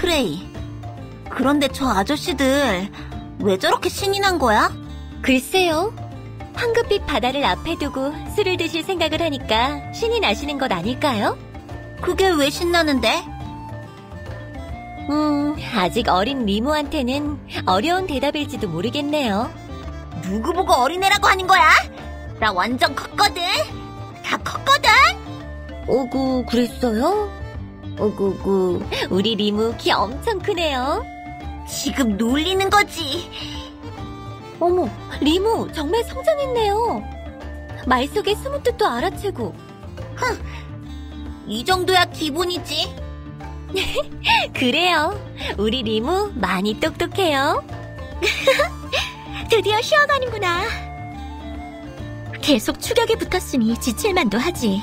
프레이. 그런데 저 아저씨들 왜 저렇게 신이 난 거야? 글쎄요. 황금빛 바다를 앞에 두고 술을 드실 생각을 하니까 신이 나시는 것 아닐까요? 그게 왜 신나는데? 아직 어린 리무한테는 어려운 대답일지도 모르겠네요. 누구 보고 어린애라고 하는 거야? 나 완전 컸거든. 다 컸거든. 오구, 그랬어요? 오구구, 우리 리무 키 엄청 크네요. 지금 놀리는 거지. 어머, 리무 정말 성장했네요. 말 속에 숨은 뜻도 알아채고. 이 정도야 기본이지. 그래요. 우리 리무 많이 똑똑해요. 드디어 쉬어가는구나. 계속 추격에 붙었으니 지칠만도 하지.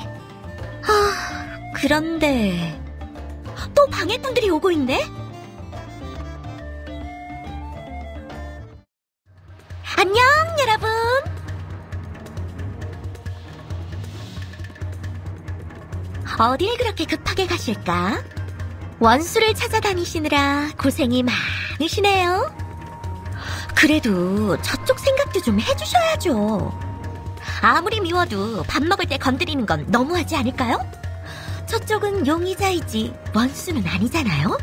그런데 또 방해꾼들이 오고 있네? 안녕, 여러분. 어딜 그렇게 급하게 가실까? 원수를 찾아다니시느라 고생이 많으시네요. 그래도 저쪽 생각도 좀 해주셔야죠. 아무리 미워도 밥 먹을 때 건드리는 건 너무하지 않을까요? 저쪽은 용의자이지 원수는 아니잖아요?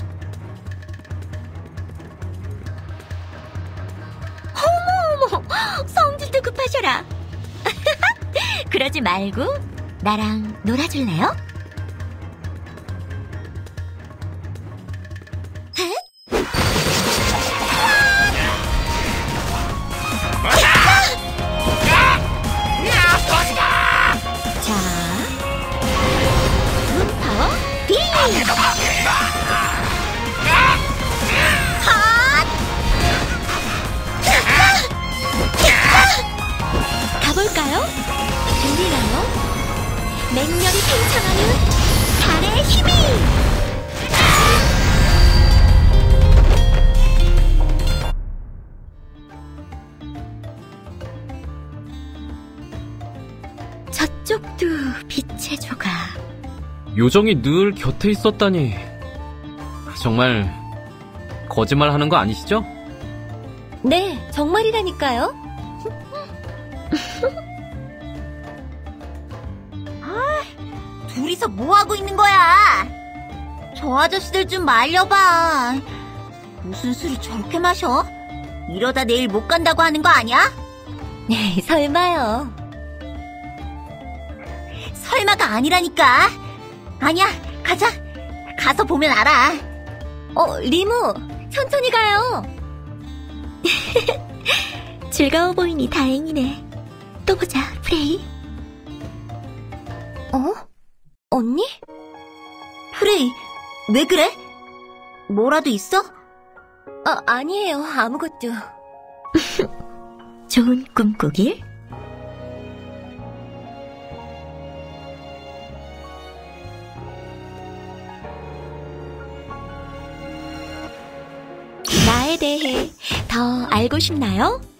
어머, 성질도 급하셔라. 그러지 말고 나랑 놀아줄래요? 자, 문파워 비! 가볼까요? 들리나요? 맹렬히 팽창하는 달의 힘이! 저쪽도 빛의 조각. 요정이 늘 곁에 있었다니. 정말 거짓말 하는 거 아니시죠? 네, 정말이라니까요. 둘이서 뭐 하고 있는 거야? 저 아저씨들 좀 말려봐. 무슨 술을 저렇게 마셔? 이러다 내일 못 간다고 하는 거 아니야? 네, 설마요. 설마가 아니라니까. 아니야, 가자. 가서 보면 알아. 리무, 천천히 가요. 즐거워 보이니 다행이네. 또 보자, 프레이. 언니? 프레이, 왜 그래? 뭐라도 있어? 아니에요, 아무것도. 좋은 꿈 꾸길. 나에 대해 더 알고 싶나요?